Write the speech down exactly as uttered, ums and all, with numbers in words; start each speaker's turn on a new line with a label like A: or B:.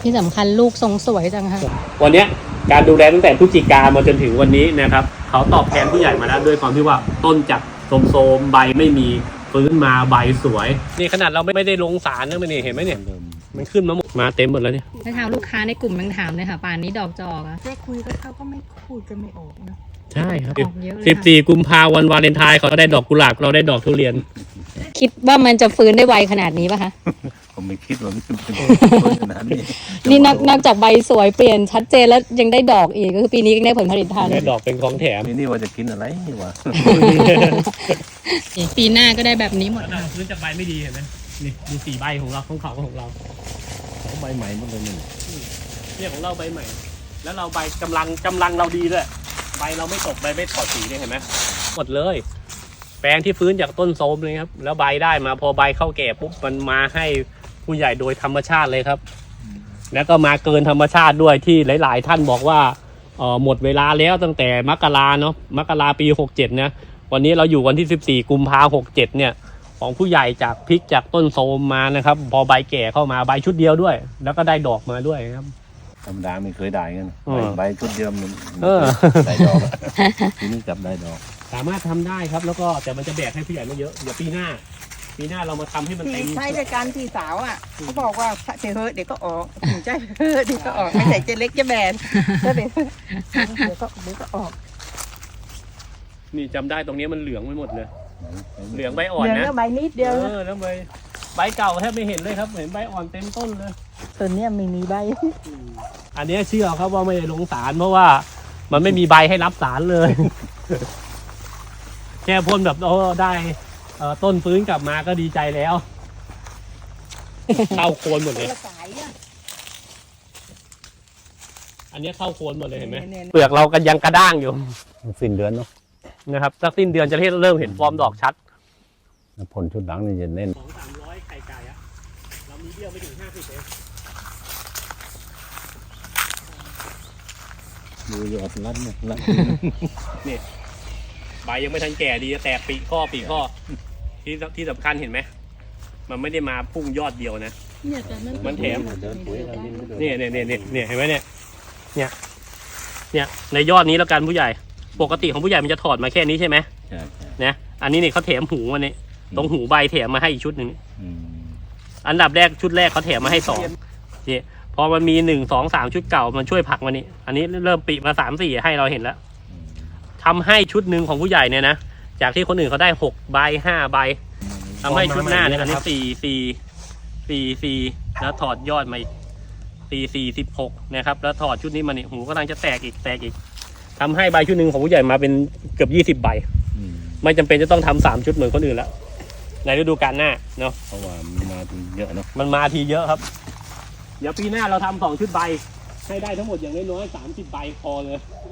A: ที่สำคัญลูกทรงสวยจังค่ะ
B: วันนี้การดูแลตั้งแต่พฤศจิกามาจนถึงวันนี้นะครับเขาตอบแทนผู้ใหญ่มาแล้วด้วยความที่ว่าต้นจากโทรมๆใบไม่มีฟื้นมาใบสวยนี่ขนาดเราไม่ได้ลงสารนะมันนี่เห็นไหมเนี่ยมันขึ้นมาหมดมาเต็มหมดแล้วเนี่ย
A: ถ้าทางลูกค้าในกลุ่มยังถามเลยค่ะป่านนี้ดอกจอกอะ
C: แค่คุยก็เขาก็ไม่พูดกันไม่ออกนะ
B: ใช่ครับ
A: ออกเยอะเลย
B: สิบสี่กุมภาพันธ์วันวาเลนไทน์เขาได้ดอกกุหลาบเราได้ดอกทุเรียน
A: คิดว่ามันจะฟื้นได้ไวขนาดนี้ป่ะคะ
D: ผมไม่คิดว่ามันจะเป็นขนาดนี้
A: นี่นอกนอกจากใบสวยเปลี่ยนชัดเจนแล้วยังได้ดอกอีกก็คือปีนี้ยังได้ผลผลิตทัน
B: ได้ดอกเป็นของแถม
D: นี่ว่าจะกินอะไรนี่วะ
A: ปีหน้าก็ได้แบบนี้หมด
B: ค่ะพื้นจากใบไม่ดีเห็นไหมนี่ดูสีใบของเราของเขาของเรา
D: ของใบใหม่หมดเลยนี่
B: เนี่ยของเราใบใหม่แล้วเราใบกำลังกำลังเราดีด้วยใบเราไม่ตกใบไม่ถอดสีเนี่ยเห็นไหมหมดเลยแปลงที่ฟื้นจากต้นโทรมเลยครับแล้วใบได้มาพอใบเข้าแก่ปุ๊บมันมาให้ผู้ใหญ่โดยธรรมชาติเลยครับแล้วก็มาเกินธรรมชาติด้วยที่หลายๆท่านบอกว่าเออหมดเวลาแล้วตั้งแต่มกราเนาะมกราปีหกเจ็ดนะวันนี้เราอยู่วันที่สิบสี่กุมภาพันธ์หกเจ็ดเนี่ยของผู้ใหญ่จากพริกจากต้นโทรมมานะครับพอใบแก่เข้ามาใบชุดเดียวด้วยแล้วก็ได้ดอกมาด้วยครับ
D: ธรรมดาไม่เคยได้เงี้ยใบชุดเดียวมันได้ดอกทีนี้กลับได้ดอก
B: สามารถทำได้ครับแล้วก็แต่มันจะแบกให้ผู้ใหญ่ไม่เยอะเดี๋ยวปีหน้าปีหน้าเรามาทำให้มันเต็ม
C: ใช่รายการพี่สาวอ่ะเขาบอกว่าเจเฮเดี๋ยวก็ออกใจเฮเดี๋ยวก็ออกไม่ใส่เจเล็กจะแบนเดี๋ยวเดี๋ยวก็เดี๋ยวก็ออก
B: นี่จำได้ตรงนี้มันเหลืองไปหมดเลยเหลืองใบอ่อนนะ
C: เหลืองใบนิดเดียว
B: เออแล้วใบใบเก่าแทบไม่เห็นเลยครับเห็นใบอ่อนเต็มต้นเลย
C: ต้นนี้ไม่มีใบ
B: อันนี้เชื่อครับว่าไม่ได้ลงสารเพราะว่ามันไม่มีใบให้รับสารเลยแค่พ่นแบบโอ้ได้ต้นฟื้นกลับมาก็ดีใจแล้วเข้าโคนหมดเลยอันนี้เข้าโคนหมดเลยเห็นไหมเปลือกเรากันยังกระด้างอยู่
D: สิ้นเดือนเนาะ
B: นะครับสักสิ้นเดือนจะเริ่มเห็นฟอร์มดอกชัด
D: ผลชุดหลังนี่จะเน้น
B: สองสามร้อยไข่ไก่อะเรามีเบี้ยวไปถึงห้าสิบเอง
D: ดูยอดรัดเนี่ยรัด
B: นี่ใบยังไม่ทันแก่ดีแตกปีข้อปีข้อที่ที่สำคัญเห็นไหมมันไม่ได้มาพุ่งยอดเดียวนะมันแถมเนี่ยเนี่ยเนี่ยเนี่ยเห็นไหมเนี่ยเนี่ยเนี่ยในยอดนี้แล้วกันผู้ใหญ่ปกติของผู้ใหญ่มันจะถอดมาแค่นี้ใช่ไหมนะอันนี้เนี่ยเขาแถมหูมาเนี่ยตรงหูใบแถมมาให้อีกชุดหนึ่งอันดับแรกชุดแรกเขาแถมมาให้สองเนี่ยพอมันมีหนึ่งสองสามชุดเก่ามันช่วยผลักมานี่อันนี้เริ่มปีมาสามสี่ให้เราเห็นแล้วทำให้ชุดหนึ่งของผู้ใหญ่เนี่ยนะจากที่คนอื่นเขาได้หกใบห้าใบทำให้ชุดหน้าเนี่ยอันนี้สี่สี่สี่สี่แล้วถอดยอดมาอีกสี่สี่สิบหกนะครับแล้วถอดชุดนี้มาเนี่ยหูกำลังจะแตกอีกแตกอีกทำให้ใบชุดหนึ่งของผู้ใหญ่มาเป็นเกือบยี่สิบใบไม่จำเป็นจะต้องทำสามชุดเหมือนคนอื่นแล้วในฤดูกาลหน้าเนาะ
D: เพราะว่ามันมาทีเยอะเนาะ
B: มันมาทีเยอะครับเดี๋ยวปีหน้าเราทำสองชุดใบให้ได้ทั้งหมดอย่างน้อยๆสามสิบใบพอเลย